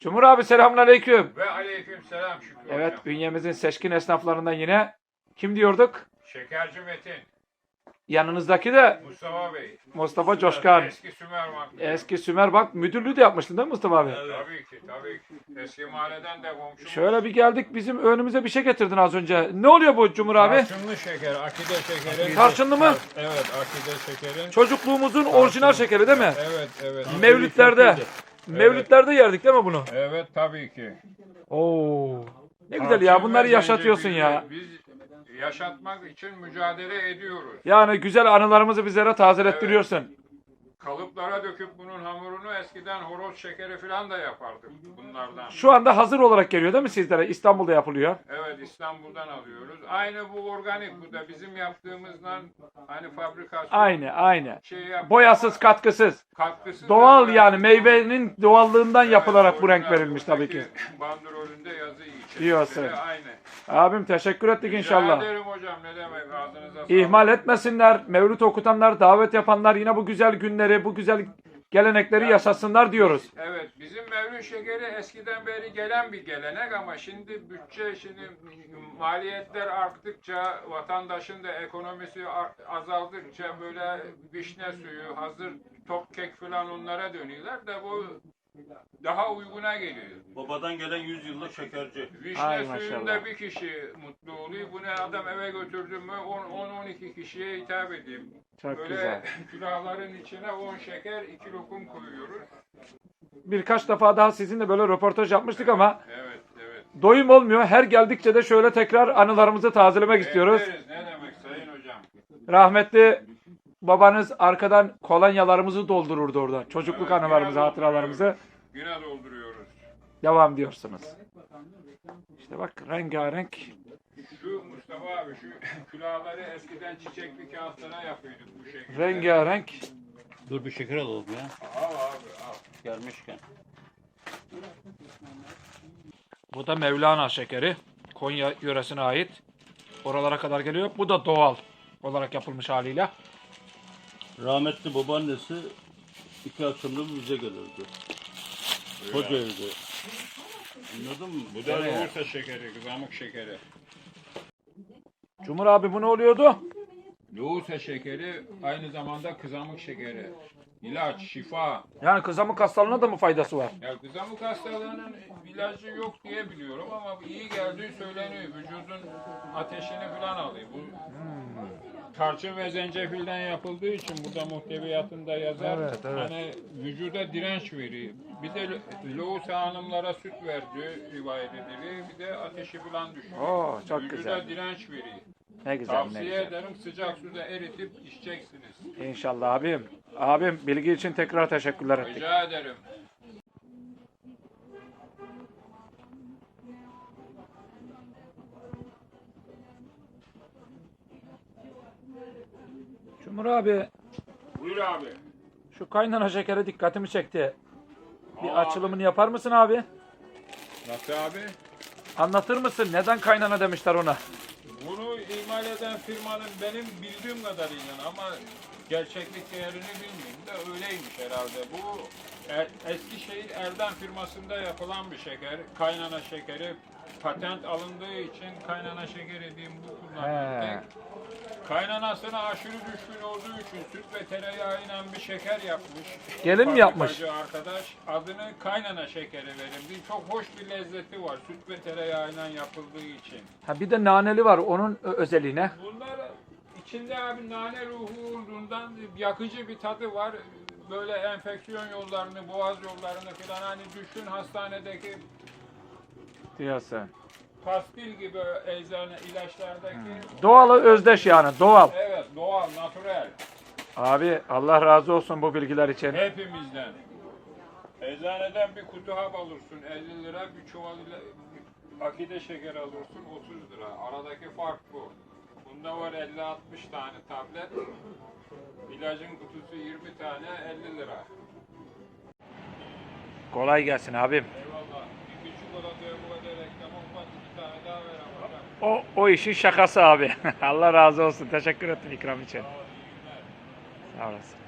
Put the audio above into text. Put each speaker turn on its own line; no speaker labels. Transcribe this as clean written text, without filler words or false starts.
Cumhur abi selamünaleyküm.
Ve aleyküm selam Şükrü
Evet,
hocam.
bünyemizin seçkin esnaflarından yine kim diyorduk?
Şekerci Metin,
Yanınızdaki de
Mustafa Bey.
Mustafa Coşkan.
Eski Sümerbank.
Eski Sümer Bank müdürlüğü de yapmıştın değil mi Mustafa abi?
Tabii ki, tabii ki. Eski mahalleden de komşumuz.
Şöyle bir geldik, bizim önümüze bir şey getirdin az önce. Ne oluyor bu Cumhur abi?
Tarçınlı şeker, akide şekeri.
Tarçınlı mı?
Evet, akide şekerin.
Çocukluğumuzun orijinal şekeri değil mi?
Evet, evet.
Mevlütlerde. Mevlütlerde yerdik değil mi bunu?
Evet, tabii ki.
Oo. Ne güzel ya, bunları yaşatıyorsun ya.
Biz yaşatmak için mücadele ediyoruz.
Yani güzel anılarımızı bizlere tazelettiriyorsun.
Kalıplara döküp bunun hamurunu eskiden horoz şekeri falan da yapardık bunlardan.
Şu anda hazır olarak geliyor değil mi sizlere? İstanbul'da yapılıyor.
Evet, İstanbul'dan alıyoruz. Aynı bu organik, bu da bizim yaptığımızdan hani fabrikasyon
Aynı.
yapıyor
Boyasız,
ama
katkısız.
katkısı
Doğal
da
yani meyvenin doğallığından
Evet,
yapılarak bu renk
orijinal,
verilmiş tabii ki.
buradaki bandrolünde yazı içerisinde
Diyorsun.
aynı.
Abim teşekkür ettik
Rica
inşallah.
ederim hocam, ne demek, ağzınıza sağlık.
İhmal etmesinler. Mevlüt okutanlar, davet yapanlar yine bu güzel günleri, bu güzel gelenekleri yaşasınlar diyoruz.
Evet, bizim mevlüt şekeri eskiden beri gelen bir gelenek ama şimdi maliyetler arttıkça, vatandaşın da ekonomisi azaldıkça böyle vişne suyu, hazır top kek falan onlara dönüyorlar da bu daha uyguna geliyor.
Babadan gelen 100 yıllık şekerci.
Vişne
Ay
suyunda
maşallah.
bir kişi mutlu oluyor. Bu ne adam eve götürdüm mü 10-12 kişiye hitap edeyim.
Çok
Böyle
güzel.
külahların içine 10 şeker, 2 lokum koyuyoruz.
Birkaç defa daha sizinle böyle röportaj yapmıştık ama
Evet, evet.
doyum olmuyor. Her geldikçe de şöyle tekrar anılarımızı tazelemek istiyoruz.
Bekleriz. Ne demek sayın hocam?
Rahmetli babanız arkadan kolonyalarımızı doldururdu orada. Çocukluk
Evet,
anılarımızı,
güne
hatıralarımızı
dolduruyoruz. Güne dolduruyoruz.
devam diyorsunuz. İşte bak rengarenk.
Şu Mustafa abi, şu külahları eskiden çiçekli kağıtlara yapıyorduk bu şekilde.
Rengarenk.
Dur bir şeker alalım ya.
Al abi, al.
Gelmişken.
Bu da Mevlana şekeri. Konya yöresine ait. Oralara kadar geliyor. Bu da doğal olarak yapılmış haliyle.
Rahmetli babaannesi 2 akşamda bize gelirdi. Koca evde. Anladın mı?
Bu da Loğusa şekeri, kızamık şekeri.
Cumhur abi bu ne oluyordu?
Loğusa şekeri aynı zamanda kızamık şekeri. İlaç, şifa.
Yani kızamık hastalığına da mı faydası var?
Ya kızamık hastalığının ilacı yok diye biliyorum ama iyi geldiği söyleniyor. Vücudun ateşini falan alıyor. Bu tarçın ve zencefilden yapıldığı için burada muhteviyatında yazar.
Evet.
Hani vücuda direnç veriyor. Bir de Loğusa hanımlara süt verdiği rivayet ediliyor. Bir de ateşi falan düşüyor.
Oo, çok
Vücuda
güzel.
direnç veriyor.
Ne güzel, ne
Tavsiye
güzel.
ederim, sıcak suda eritip içeceksiniz.
İnşallah abim. Abim bilgi için tekrar teşekkürler ettik.
Rica ederim.
Cumhur abi
Buyur abi.
şu kaynana şekeri dikkatimi çekti. Bir
Aa,
açılımını yapar mısın abi?
Nasıl abi?
Anlatır mısın? Neden kaynana demişler ona?
Bunu imal eden firmanın benim bildiğim kadarıyla ama gerçeklik değerini bilmiyorum da öyleymiş herhalde. Bu Eskişehir Erdem firmasında yapılan bir şeker. Kaynana şekeri patent alındığı için kaynana şekeri diyeyim bu kullanılıyor.
He.
Kaynanasına aşırı düşkün olduğu için süt ve tereyağıyla bir şeker yapmış.
Gelin mi yapmış?
Fabrikacı arkadaş adını kaynana şekeri verildi. Çok hoş bir lezzeti var süt ve tereyağıyla yapıldığı için.
Ha bir de naneli var onun özelliğine.
Bunlar içinde abi nane ruhu olduğundan yakıcı bir tadı var. Böyle enfeksiyon yollarını, boğaz yollarını falan hani düşün hastanedeki
Diyorsun.
pastil gibi eczane ilaçlardaki.
Doğalı özdeş yani doğal.
Evet, doğal, natürel.
Abi Allah razı olsun bu bilgiler için.
Hepimizden. Eczaneden bir kutu hap alırsın 50 lira, bir çuval akide şeker alırsın 30 lira. Aradaki fark bu. Bunda var 50-60 tane tablet. İlacın kutusu 20 tane 50 lira.
Kolay gelsin abim.
Eyvallah. Bir çikolataya bu kadar reklam olmaz. 2 tane daha ver ama.
O işin şakası abi. Allah razı olsun. Teşekkür ettim ikram için.
Sağ ol, iyi günler.
Sağ olasın.